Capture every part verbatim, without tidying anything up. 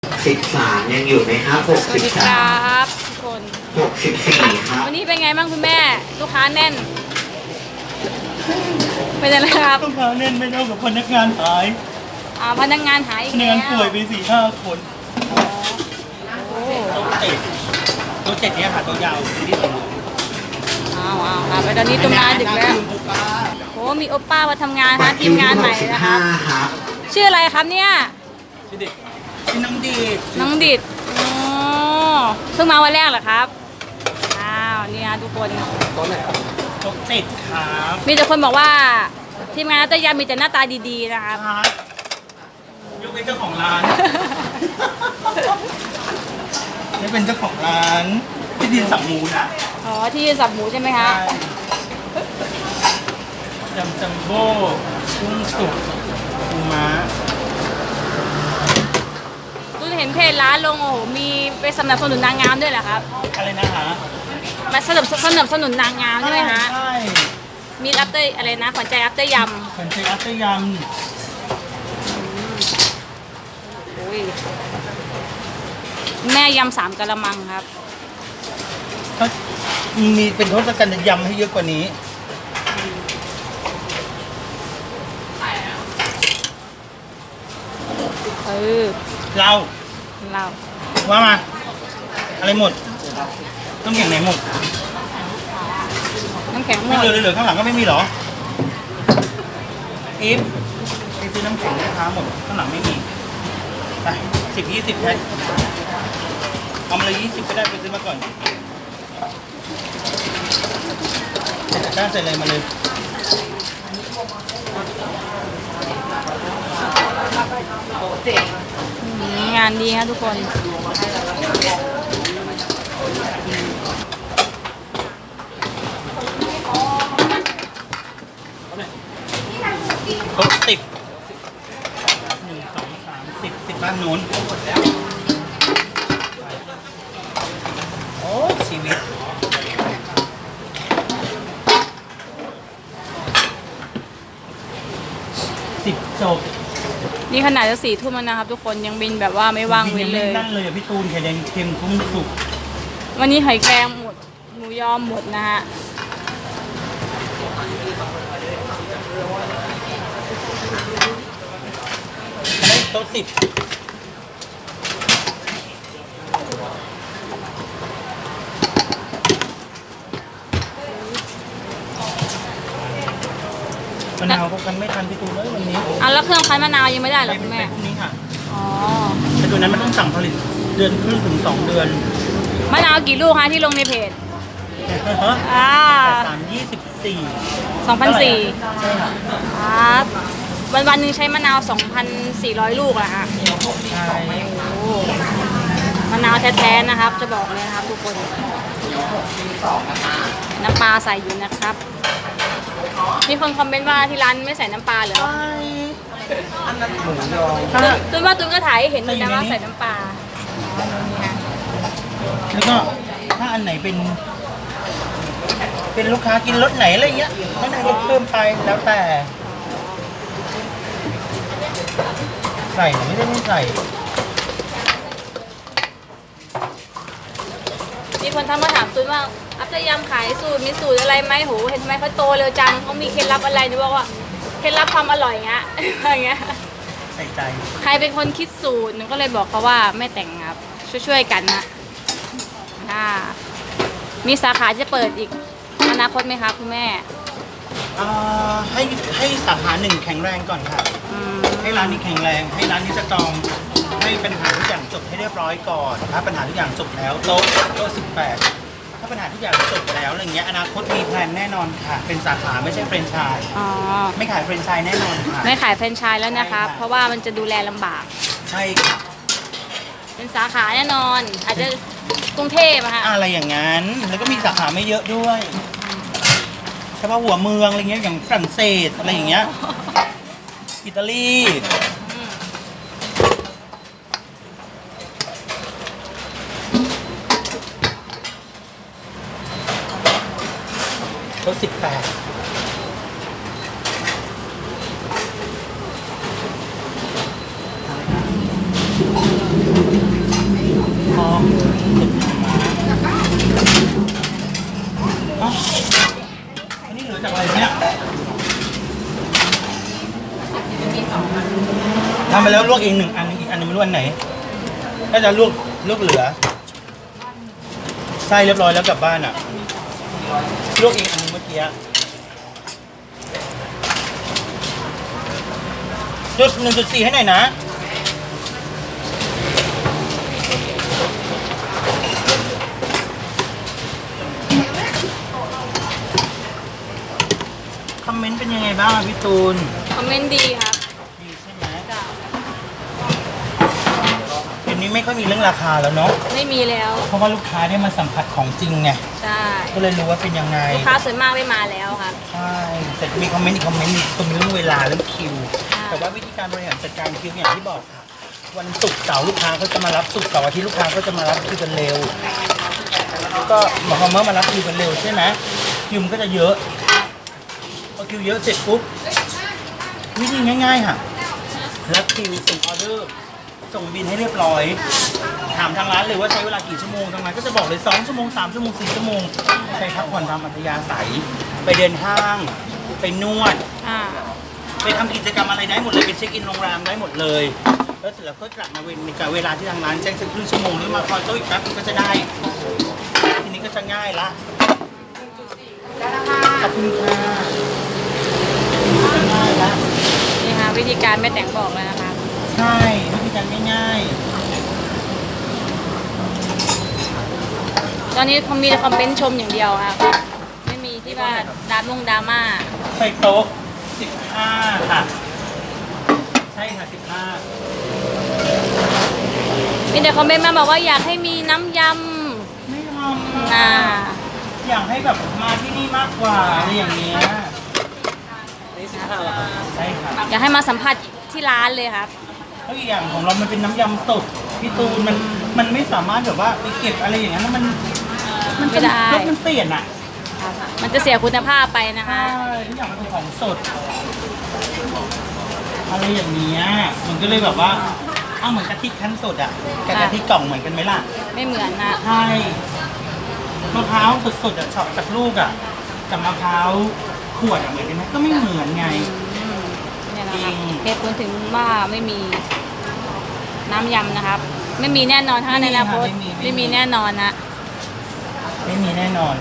สิบสามยังอยู่ไหมครับหกสสิวัสบดีคสารัมบทุกคนหกสิบสี่ครับวันนี้เป็นไงบ้างคุณแม่ลูกค้าแน่น เป็นยังไงครับลูกค้าแน่นไม่เท่ากับพนักงานหายอ่าพนักงานหายอีพกนักแล้งานป่วยว ไปสี่ห้าคนโอ้ตัวเจ็ดตัวเจ็ดเนี่ยค่ะตัวยาวที่สุดอ้าวอ้าวครับแล้วตอนนี้ตุ้มงานดึกแล้วโอ้มีโอป้ามาทำงานนะทีมงานใหม่นะครับครับชื่ออะไรครับเนี่ยชื่อเด็กชื่อน้องดีน้องดิดอ๋อเพิ่งมาวันแรกเหรอครับอ้าวนี่นะทุกคนตัวเจ็ดครับมีแต่คนบอกว่าทีมงานนัตยามีแต่หน้าตาดีๆนะครับครับยกเป็นเจ้าของร้านนี่เป็นเจ้าของร้านที่ดินสัมมูนะอ๋อที่สับหมูใช่ไหมคะยำจัมโบ้กุ้งสุกปูม้าตุ้นเห็นเพจร้านลงโอ้โหมีไปสนับสนุนนางงามด้วยเหรอครับอะไรนะคะมาสนับสนับสนุนนางงามใช่ไหมคะใช่มีอัปเตอร์อะไรนะขวัญใจอัปเตอร์ยเป็นเชฟอัตเตอร์ยำโอ้ยแม่ยำสามกะละมังครับำก็มีเป็นทศกัณฐ์ยำให้เยอะกว่านี้เออเราเราว่ามา อะไรหมดต้องอย่างไหนหมดน้ำแข็งหมไม่ดเหลือเหลือข้างหลังก็ไม่มีเหรออีฟไปซื้อน้ำแข็งให้ค้าหมดข้างหลังไม่มีไปสิบยี่สิบแพ็คเอามาเลยยี่สิบก็ได้ไปซื้อมาก่อนเสร็จได้เสร็จเลยมาเลยอืมงานดีครับทุกคนครบสิบหนึ่งสองสามสิบสิบบ้านนู้นโอ้ชีวิตสิบจบนี่ขนาดจะสี่ทุ่มแล้วนะครับ ทุกคนยังบินแบบว่าไม่ว่างเว้นเลยนั่นเลยอ่ะพี่ตูนไข่แดงเค็มกุ้งสุกวันนี้หอยแครงหมดหมูยอหมดนะฮะได้โต๊ะสิบมะนาวพวกกันไม่ทันพี่ตูนเลยวันนี้อ่ะแล้วเครื่องคั้นมะนาวยังไม่ได้เหรอไปคุณแม่พรุ่งนี้ค่ะอ๋อแต่ตัวนั้นมันต้องสั่งผลิตเดือนครึ่งถึงสองเดือนมะนาวกี่ลูกคะที่ลงในเพจอ่าแต่สามยี่สิบสี่สองพันสี่ใช่ค่ะครับวันวันๆหนึ่งใช้มะนาวสองพันสี่ร้อยลูกอะฮะใช่โอ้มะนาวแท้ๆนะครับ จะบอกเลยนะครับทุกคน น้ำปลาใส่อยู่นะครับ มีคนคอมเมนต์ว่าที่ร้านไม่ใส่น้ำปลาเหรอหมูยอตุนตุนว่าตุนก็ถ่ายให้เห็นอยู่นะว่าใส่น้ำปลาอ๋อนี่ฮะแล้วก็ถ้าอันไหนเป็น เป็นลูกค้ากินรสไหนอะไรเงี้ยก็นายกเพิ่มไปแล้วแต่ ใส่หรือไม่ได้ไม่ใส่มีคนทักมาถามตุนว่าอัพจะยำขายสูตรมีสูตรอะไรไหมโหเห็นทำไมเขาโตเร็วจังเขามีเคล็ดลับอะไรหนูบอกว่าเคล็ดลับความอร่อยเงี้ย อะไรเงี้ยใส่ใจใครเป็นคนคิดสูตรหนูก็เลยบอกเขาว่าไม่แต่งครับช่วยๆกันนะอ่ามีสาขาจะเปิดอีกอนาคตไหมคะคุณแม่อ่าให้ให้สาขาหนึ่งแข็งแรงก่อนค่ะอืมให้ร้านนี้แข็งแรง ให้ร้านนี้สตรอง ให้ปัญหาทุกอย่างจบให้เรียบร้อยก่อน ถ้าปัญหาทุกอย่างจบแล้วโต๊ะโต๊ะสิบแปดถ้าปัญหาทุกอย่างจบไปแล้วอะไรเงี้ยอนาคตมีแพลนแน่นอนค่ะ เป็นสาขาไม่ใช่แฟรนไชส์อ๋อไม่ขายแฟรนไชส์แน่นอนค่ะไม่ขายแฟรนไชส์แล้วนะครับใช่ค่ะเพราะว่ามันจะดูแลลำบากใช่ค่ะเป็นสาขาแน่นอน อาจจะกรุงเทพอะค่ะอะไรอย่างนั้น แล้วก็มีสาขาไม่เยอะด้วยเฉพาะหัวเมืองอะไรเงี้ยอย่างฝรั่งเศสอะไรอย่างเงี้ย อิตาลีรถสิบแปดทำไปแล้วลวกเองหนึ่งอันอีกอันนึงไม่รู้อันไหนน่าจะลวกลวกเหลือไส้เรียบร้อยแล้วกลับบ้านอ่ะลวกเองอันนึงเมื่อกี้จุดหนึ่งจุดสี่ให้หน่อยนะคอมเมนต์เป็นยังไงบ้างอะพี่ตูนคอมเมนต์ดีครับดีใช่ไหมเดี๋ยวนี้ไม่ค่อยมีเรื่องราคาแล้วเนาะไม่มีแล้วเพราะว่าลูกค้าได้มาสัมผัสของจริงไงใช่ก็เลยรู้ว่าเป็นยังไงลูกค้าส่วนมากไม่มาแล้วครับใช่ แต่มีคอมเมนต์อีกคอมเมนต์หนึ่งตรงเรื่องเวลาเรื่องคิวใช่แต่ว่าวิธีการบริหารจัดการคิวอย่างที่บอกค่ะ วันศุกร์เสาร์ลูกค้าก็จะมารับศุกร์เสาร์อาทิตย์ลูกค้าก็จะมารับคิวกันเร็ว แล้วก็หมายความว่ามารับคิวกันเร็วใช่ไหมคิวมันก็จะเยอะ พอคิวเยอะเสร็จปุ๊บวิธีง่ายๆค่ะ รับคิวส่งออเดอร์ ส่งบินให้เรียบร้อย ถามทางร้านเลยว่าใช้เวลากี่ชั่วโมงทางร้านก็จะบอกเลยสองชั่วโมงสามชั่วโมงสี่ชั่วโมงใช้พักผ่อนตามอัธยาศัย ไปเดินห้าง ไปนวดอ่าไปทำกิจกรรมอะไรได้หมดเลยไปเช็คอินโรงแรมได้หมดเลย แล้วเสร็จแล้วก็กลับมาเวนในการเวลาที่ทางร้านแจ้งสักครึ่งชั่วโมงหรือมาคอยโต๊ะอีกแป๊บนึงก็จะได้ ทีนี้ก็จะง่ายละขอบคุณค่ะง่ายละนี่ค่ะวิธีการแม่แต่งบอกแล้วนะคะใช่วิธีการง่ายตอนนี้เขามีแต่คอมเมนต์ชมอย่างเดียวครับ ไม่มีที่ว่าดราม่งดราม่าๆใส่โต๊ะสิบห้าค่ะ ใช่ค่ะสิบห้ามีแต่คอมเมนต์มาบอกว่าอยากให้มีน้ำยไม่ทำำอ่าอยากให้แบบมาที่นี่มากกว่าอะไรอย่างเงี้ยใช่ค่ะอยากให้มาสัมผัสที่ร้านเลยครับแล้วอีกอย่างของเรามันเป็นน้ำยำสดพี่ตูนมันมันไม่สามารถแบบว่าไปเก็บอะไรอย่างนั้นแล้วมันมันไม่จะได้รสมันเปลี่ยนอ่ะมันจะเสียคุณภาพไปนะคะใช่ทุกอย่างมันเป็นของสดอะไรอย่างเงี้ยมันก็เลยแบบว่าอ้าวเหมือนกะทิคั้นสดอ่ะกับกะทิกล่องเหมือนกันไหมล่ะไม่เหมือนนะใช่มะพร้าวสดๆอ่ะเฉาะจากลูกอ่ะกับมะพร้าวขวดอ่ะเหมือนกันไหมก็ไม่เหมือนไงเนี่ยนะจริครับงเหตุผลถึงว่าไม่มีน้ำยำนะครับ ไม่มีแน่นอนถ้าในอนาคตไม่มีแน่นอนนะไม่มีแน่นอน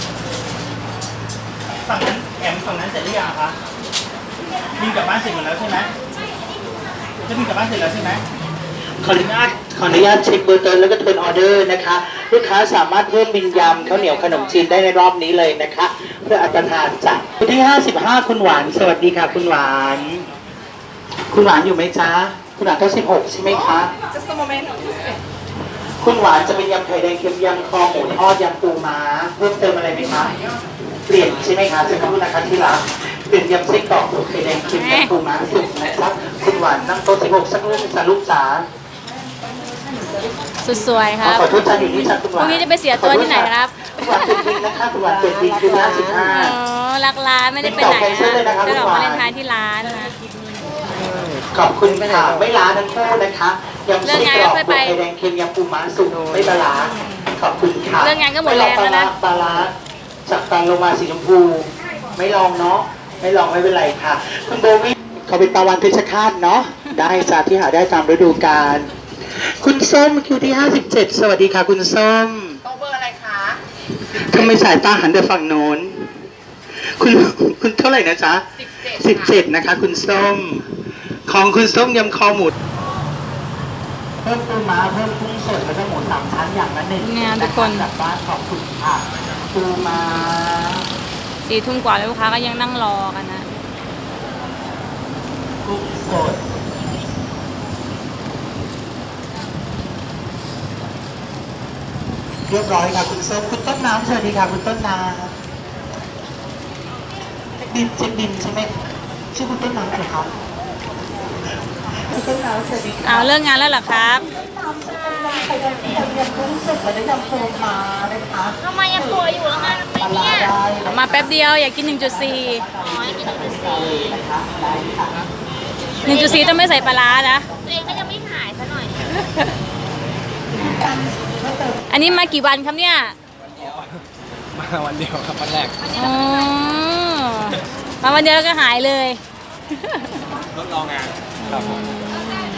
ฝั่งนั้นแอมฝั่งนั้นเสร็จหรือยังคะบินกลับบ้านเสร็จหมดแล้วใช่ไหมจะบินกลับบ้านเสร็จแล้วใช่ไหมขออนุญาตขออนุญาตเช็คเบอร์เติร์นแล้วก็เทิร์นออเดอร์นะคะ ลูกค้าสามารถเพิ่มบินยำข้าวเหนียวขนมจีนได้ในรอบนี้เลยนะคะ เพื่ออัตทานจากวันที่ห้าสิบห้าคุณหวานสวัสดีค่ะคุณหวาน คุณหวานอยู่ไหมจ๊ะคุณหวานเท่าสิบหกใช่ไหมคะคุณหวานจะเป็นยำไข่แดงเค็มยำคอหมูทอดยำปูม้าเพิ่มเติมอะไรไหมคะเปลี่ยนใช่ไหมคะจะพูดนะคะที่รักเปลี่ยนยำไส้กรอกไข่แดงเค็มยำปูม้าสุกนะครับคุณหวานนั่งโต๊ะสิบหกสักรูปจ้ะลูกจ๋าสุดสวยครับขอโทษจ้าอยู่นี่จ้าคุณหพวานรุ่งนี้จะไปเสียตัวที่ไหนครับคุณหวานเปิดบินนะคะคุณหวานเปิดบินคือห้าสิบห้าอ๋อรักร้านไม่ได้ไปไหนติดต่อแคนเซิลเลยนะนะครับ จะดอกคุณหวานวาเลนไทน์ที่ร้านนะขอบคุณค่ะไม่ล้าทั้งคู่นะคะยำไส้กรอกไข่แดงเค็มยำปูม้าสุกไม่ปลาร้าขอบคุณค่ะเรื่องงานก็หมดแรงแล้วนะปลาร้าจากตันลงมาสีชมพูไม่ลองเนาะไม่ลองไม่เป็นไรค่ะคุณโบวี่เขาเป็นตะวันเพชรฆาตเนาะได้จ้าที่หาได้ตามฤดูกาลคุณส้มคิวที่ห้าสิบเจ็ดสวัสดีค่ะคุณส้มโต๊ะเบอร์อะไรคะทำไมสายตาหันแต่ฝั่งโน้นคุณคุณเท่าไหร่นะจ๊ะสิบเจ็ดสิบเจ็ดนะคะ คุณส้ม ของคุณส้มยำคอหมูเพิ่มปูม้าเพิ่มกุ้งสดแล้วก็หมูสามชั้นอย่างละหนึ่งเนี่ยทุกคนจากบ้านขอบคุณค่ะปูม้าสี่ทุ่มกว่าแล้วลูกค้าก็ยังนั่งรอกันนะกุ้งสดเรียบร้อยค่ะคุณส้มคุณต้นน้ำสวัสดีค่ะคุณต้นน้ำดินเช็คดินใช่ไหมชื่อคุณต้นน้ำเหรอครับคุณต้นน้ำสวัสดีค่ะเอาเลิกงานแล้วเหรอครับไข่แดงเค็มยำกุ้งสดและยำโฟมานะคะทำไมยังป่วยอยู่แล้วงานทำไมปลาเนี่ยได้เอามาแป๊บเดียวอยากกิน หนึ่งจุดสี่อ๋อยังกินหนึ่งจุดสี่นะคะได้ค่ะหนึ่งจุดสี่ต้องไม่ใส่ปลาร้านะตัวเองก็ยังไม่หายซะหน่อยอันนี้มากี่วันครับเนี่ยมาวันเดียวครับวันแรกอ๋อมาวันเดียวแล้วก็หายเลยทดลองงานครับผมอืม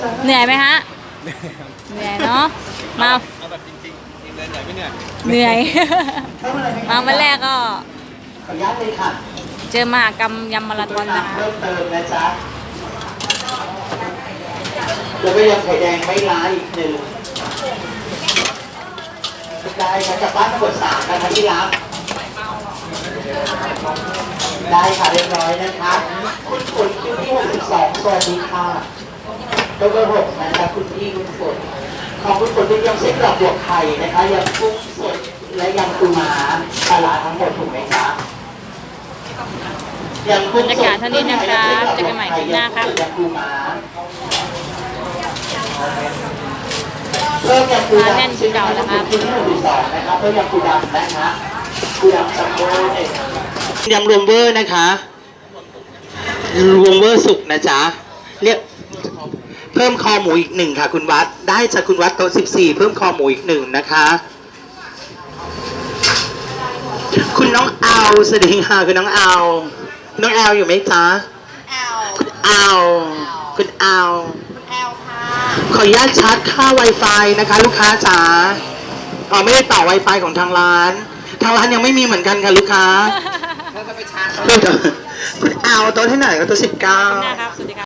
เหนื่อยไหมฮะ เหนื่อยเนาะ มาเอาแบบจริงๆจริงเลยเหนื่อยไม่เหนื่อยเหนื่อย มาวันแรกก็ขออนุญาตเลยค่ะเจอมหากรรมยำมาราธอนนะคะเพิ่มเติมนะจ๊ะแล้วก็ยังไข่แดงไม่ล้าอีกหนึ่งได้ค่ะจากบ้านทั้งหมดสามนะคะที่รับได้ค่ะเรียบร้อยนะคะคุณฝนคิวที่หกสิบสองสวัสดีค่ะตัวเบอร์หกนะคะคุณพี่คุณฝนของคุณฝนเป็นยำเส้นกรอบบวกไข่นะคะยำกุ้งสดและยำปูม้าปลาร้าทั้งหมดถูกไหมคะยำกุ้งบรรยากาศเท่านี้นะครับเจอกันใหม่คลิปหน้าครับยำปูม้าเพิ่มยำปูดำมาแน่นที่เก่านะครับชิ้นที่หนึ่งสองนะครับเพิ่มยำปูดำนะคะปูดำซัมโบ้เนี่ยยำรวมเวอร์นะคะรวมเวอร์สุกนะจ๊ะเรียกเพิ่มคอหมูอีกหนึ่งค่ะคุณวัดได้จากคุณวัดโต๊ะสิบสี่เพิ่มคอหมูอีกหนึ่งนะคะคุณน้องเอาสวัสดีค่ะคุณน้องเอาน้องแอลอยู่ไหมจ๊ะแอลคุณเอาคุณเอาแอลค่ะขออนุญาตชาร์จค่า Wi-Fi นะคะลูกค้าจ๋าอ๋อไม่ได้ต่อ Wi-Fi ของทางร้าน ทางร้านยังไม่มีเหมือนกันค่ะลูกค้าถ้าจะไปชาร์จคุณเอาโต๊ะที่ไหนก็โต๊ะสิบเก้าหน้าครับ สวัสดีครับ